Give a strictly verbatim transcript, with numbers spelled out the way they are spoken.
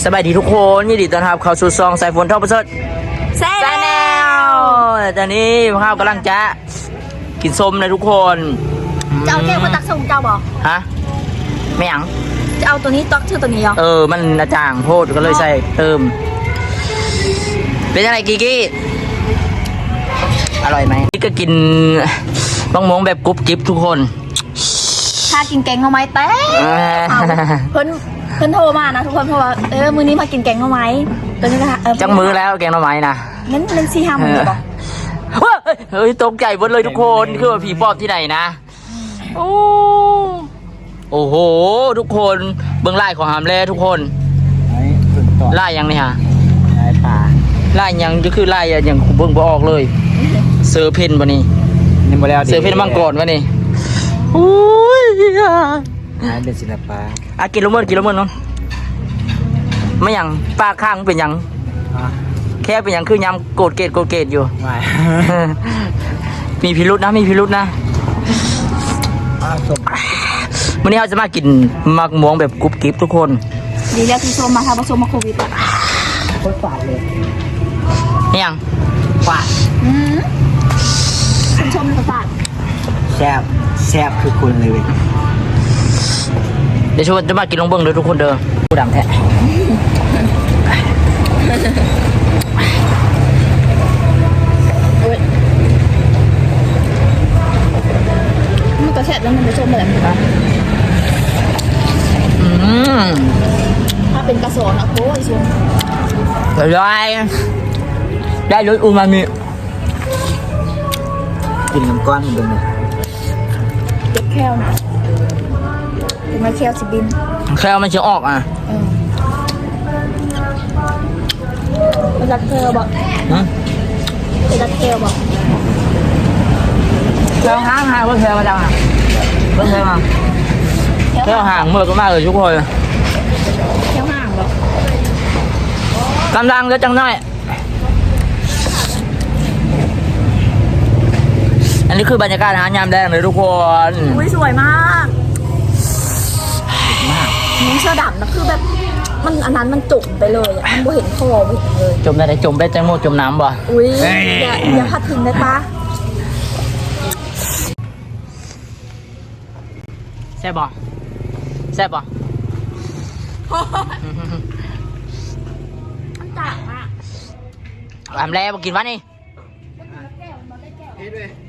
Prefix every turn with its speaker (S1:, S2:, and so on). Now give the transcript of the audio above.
S1: สบายดีทุกคนยินดีต้อนรับเข้าสู่ซองสายฝนท่อประเสริฐ
S2: แซ่แนว
S1: ตอนนี้ข้าวกำลังจะกินส้มนะทุกคน
S2: จะเอาแก้วมาตักส่งเจ้าบอก
S1: ฮะไม่หยัง
S2: จะเอาตัวนี้ตักชื่อตัวนี้เหรอ
S1: เออมันอาจารย์โพดก็เลยใส่เติมเป็นยังไงกีกี้อร่อยไหมนี่ก็กินบ้องมงแบบกรุบกริบทุกคน
S2: ถ้ากินแกงเอาไหมแต่เพิ่นเพิ่นโทรมานะทุกคนเพราะว่าเออมื้อนี้มากินแกงเอาไหมตัวนี้นะคะ
S1: จังมือแล้วแกงหน่อไม้นะ
S2: งั้นเป็นซีฮามือบอก
S1: เฮ้ยตกใจหมดเลยทุกคนคือว่าผีปอบที่ไหนนะโอ้โอ้โหทุกคนเบื้องไล่ของหามแล่ทุกคนไล่ยังนี่ฮะ
S3: ไล่ป่า
S1: ไล่ยังก็คือไล่ยังเบื้องบ่ออกเลยเสือเพนวะนี่
S3: นี่มาแล้ว
S1: เสือเพนมังกรวะนี่โอ้ย
S3: ไล่เป็นศิลปะ
S1: อ่ะกินลูกเมื่อกินลูกเมื่อน้องไม่ยังปลาข้างเป็นยังแค่เป็นยังคือยำโกดเกตโกดเกตอยู่มีพิรุษนะมีพิรุษนะวันนี้เราจะมากินมักม่วงแบบกรุบกริบทุกคน
S2: ดีแล้วที่ชมมาค่ะผสมมาโควิดอ่ะ
S3: โคตรฝาดเลย
S1: นี่ยังฝาด
S2: อืมคุณชมเลยฝาด
S3: แซ่บแซ่บคือคุณเลยเว้ย
S1: เดี๋ยวชวนจะมากินลงเบิ้งเลยทุกคนเด้อผู้ดำแท้
S2: มันกระแทกแล้วมันจะชมแบบนี้
S1: อืม
S2: ถ้าเป็นกระสอนอะโค้ยชม
S1: ได้ได้รสอูมามิ
S3: กินน้ำก้อนมันเป็นไง
S2: เจ็บแค่วนะถึงมาแค่วสิบิน
S1: แค่มันจะออกอ่ะ
S2: เป็นรักเธอบอกเป็นรักเธอบอก
S1: แค่ห่างห่างเพื่อนแค่มาจังอ่ะเพื่อนแค่มาแค่ห่างเมื่อก็มากเลยทุกคน
S2: แค่ห่างบอก
S1: กำลังจะจังน้อยอันนี้คือบรรยากาศอาหารยามแดงเลยทุกคน
S2: อุ้ยสวยมากมากนี่เสื้อดำนะคือแบบมันอันนั้นมันจุ่มไปเลยอ่ะมันไม่เห็นคอไม่เห็นเลย
S1: จมได้จมได้จังโมจมน้ำบ่
S2: อุ้ยอย่าอย่าพัดทิ้งได้ปะ
S1: แซ่บบ่แซ่บบ่
S2: มันต่างมาก
S1: ทำแล้วมากินวะนี่